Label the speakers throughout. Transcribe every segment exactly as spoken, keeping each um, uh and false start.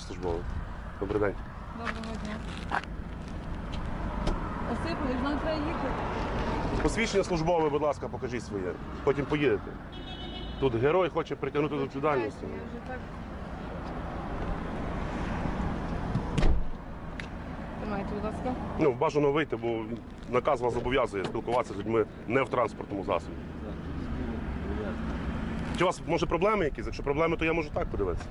Speaker 1: службове? Добрий день.
Speaker 2: Доброго дня. Осипович, нам треба їхати.
Speaker 1: Посвідчення службове, будь ласка, покажіть своє. Потім поїдете. Тут герой хоче притягнути до відповідальності.
Speaker 2: Я вже так... Тримайте, будь ласка.
Speaker 1: Ну, бажано вийти, бо наказ вас зобов'язує спілкуватися з людьми не в транспортному засобі. Чи у вас, може, проблеми якісь? Якщо проблеми, то я можу так подивитися.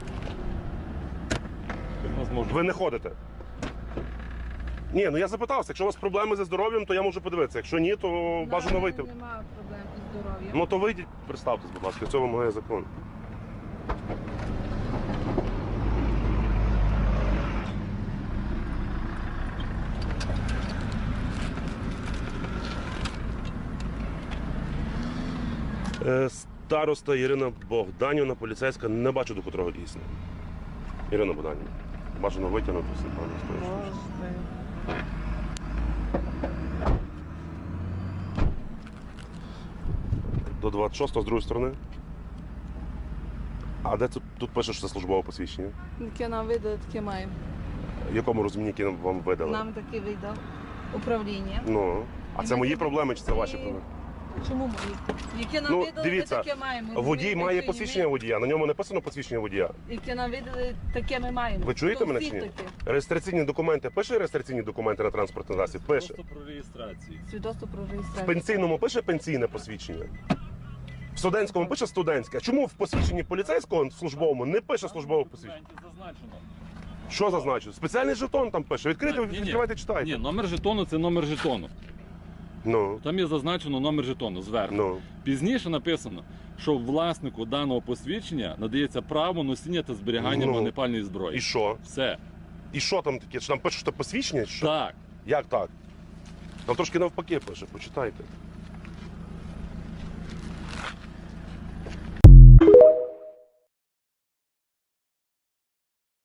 Speaker 1: Ви не ходите? Ні, ну я запитався, якщо у вас проблеми зі здоров'ям, то я можу подивитися. Якщо ні, то бажано вийти.
Speaker 2: Немає проблем із здоров'ям.
Speaker 1: Ну то вийдіть, представтесь, будь ласка, цього вимагає закон. Е, Староста Ірина Богданівна, поліцейська, не бачу до котрого дійсно. Ірина Богданівна, бажано витягнути все, пане Стоїчович. До двадцять шостого з другої сторони. А де тут, тут пише, що це службове посвідчення?
Speaker 2: Яке нам видали, таке маємо.
Speaker 1: В якому розумінні, яке вам видали?
Speaker 2: Нам таке видав управління.
Speaker 1: Ну, а
Speaker 2: І
Speaker 1: це
Speaker 2: ми
Speaker 1: мої
Speaker 2: таке-
Speaker 1: проблеми чи це ваші
Speaker 2: І-
Speaker 1: проблеми?
Speaker 2: Чому мої? Яке нам
Speaker 1: Ну,
Speaker 2: видали,
Speaker 1: дивіться,
Speaker 2: ми таке маємо.
Speaker 1: водій
Speaker 2: Ми-
Speaker 1: має
Speaker 2: ми-
Speaker 1: посвідчення водія, на ньому написано посвідчення водія.
Speaker 2: Яке нам видали, таке ми маємо.
Speaker 1: Ви чуєте
Speaker 2: То
Speaker 1: мене
Speaker 2: всіх
Speaker 1: чи ні?
Speaker 2: таке.
Speaker 1: Реєстраційні документи, пише реєстраційні документи на транспортний засіб? Пише.
Speaker 3: Просто про реєстрацію.
Speaker 2: Свідоцтво про
Speaker 1: В
Speaker 2: реєстрацію.
Speaker 1: пенсійному пише пенсійне посвідчення. В студентському пише студентське. А чому в посвідченні поліцейського в службовому не пише службове посвідчення?
Speaker 3: В документі зазначено.
Speaker 1: Що зазначено? Спеціальний жетон там пише. Відкрийте,
Speaker 3: Ні, ні.
Speaker 1: відкривайте, читайте.
Speaker 3: Ні, номер жетону це номер жетону.
Speaker 1: Ну,
Speaker 3: Там є зазначено номер жетону зверху.
Speaker 1: ну.
Speaker 3: Пізніше написано, що власнику даного посвідчення надається право носіння та зберігання
Speaker 1: Ну.
Speaker 3: вогнепальної зброї.
Speaker 1: І що?
Speaker 3: Все.
Speaker 1: І що там таке? Чи там пише, що це посвідчення? Чи що?
Speaker 3: Так.
Speaker 1: Як так? Там трошки навпаки пише, почитайте.